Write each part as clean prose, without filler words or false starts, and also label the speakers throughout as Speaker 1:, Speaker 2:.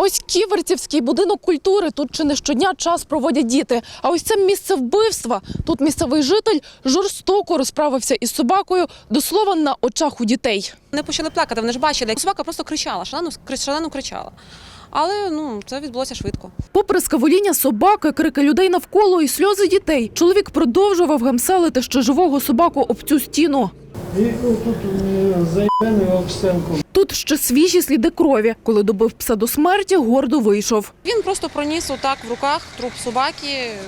Speaker 1: Ось Ківерцівський будинок культури. Тут чи не щодня час проводять діти. А ось це місце вбивства. Тут місцевий житель жорстоко розправився із собакою, до слова, на очах у дітей.
Speaker 2: Вони почали плакати, вони ж бачили, як собака просто кричала, шалено кричала. Але це відбулося швидко.
Speaker 1: Попри скавуління собаки, крики людей навколо і сльози дітей, чоловік продовжував гамселити ще живого собаку об цю стіну.
Speaker 3: І тут заєбений об стінку.
Speaker 1: Тут ще свіжі сліди крові. Коли добив пса до смерті, гордо вийшов.
Speaker 2: Він просто проніс отак в руках труп собаки.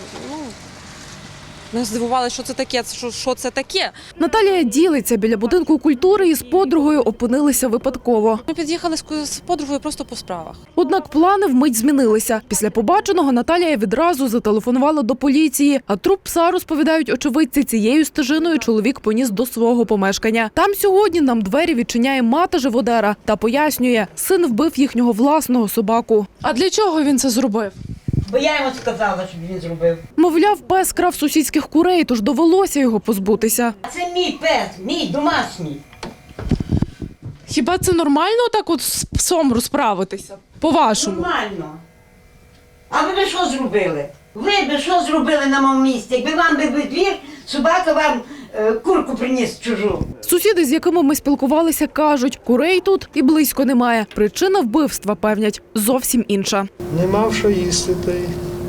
Speaker 2: Ми здивувалися, що це таке.
Speaker 1: Наталія ділиться, біля будинку культури із подругою опинилися випадково.
Speaker 2: Ми під'їхали з подругою просто по справах.
Speaker 1: Однак плани вмить змінилися. Після побаченого Наталія відразу зателефонувала до поліції, а труп пса, розповідають очевидці, цією стежиною чоловік поніс до свого помешкання. Там сьогодні нам двері відчиняє мати живодера та пояснює, син вбив їхнього власного собаку. А для чого він це зробив?
Speaker 4: Бо я йому сказала, щоб він зробив.
Speaker 1: Мовляв, пес крав сусідських курей, тож довелося його позбутися.
Speaker 4: Це мій пес, мій домашній.
Speaker 1: Хіба це нормально так от з псом розправитися? По-вашому?
Speaker 4: Нормально. А ви б що зробили? Ви б що зробили на моєму місці? Якби вам би двір, собака вам курку приніс чужу.
Speaker 1: Сусіди, з якими ми спілкувалися, кажуть, курей тут і близько немає. Причина вбивства, певнять, зовсім інша.
Speaker 3: Не мав що їсти та й.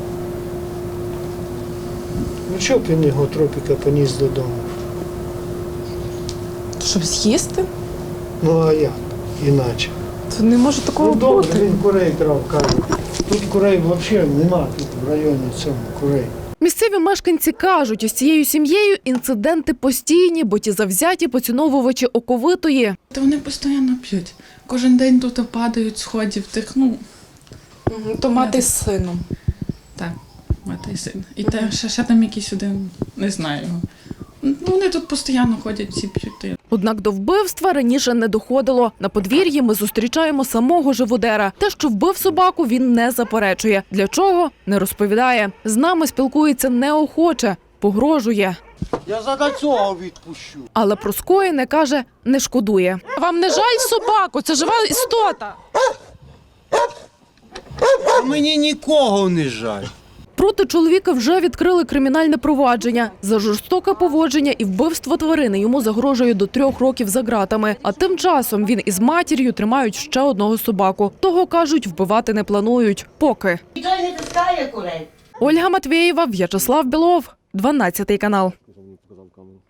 Speaker 3: Ну чого б він його тропіка поніс додому?
Speaker 1: Щоб з'їсти?
Speaker 3: Ну а як? Іначе.
Speaker 1: Це не може такого
Speaker 3: Ну добре, він курей крав, кажуть. Тут курей взагалі нема, тут в районі цьому курей.
Speaker 1: Місцеві мешканці кажуть, із цією сім'єю інциденти постійні, бо ті завзяті поціновувачі оковитої.
Speaker 5: Та вони постійно п'ють. Кожен день тут падають сходів тих,
Speaker 1: То мати з сином.
Speaker 5: так, мати і син. І те, ще там якийсь один, не знаю його. Вони тут постійно ходять, всі п'ють.
Speaker 1: Однак до вбивства раніше не доходило. На подвір'ї ми зустрічаємо самого живодера. Те, що вбив собаку, він не заперечує. Для чого – не розповідає. З нами спілкується неохоче, погрожує.
Speaker 6: Я за цього відпущу.
Speaker 1: Але про скоєне, каже, не шкодує. Вам не жаль собаку? Це жива істота.
Speaker 6: А мені нікого не жаль.
Speaker 1: Проти чоловіка вже відкрили кримінальне провадження. За жорстоке поводження і вбивство тварини йому загрожує до 3 років за ґратами. А тим часом він із матір'ю тримають ще одного собаку. Того, кажуть, вбивати не планують. Поки.
Speaker 4: Ніхто не таскає курей.
Speaker 1: Ольга Матвєєва, В'ячеслав Білов, 12 канал.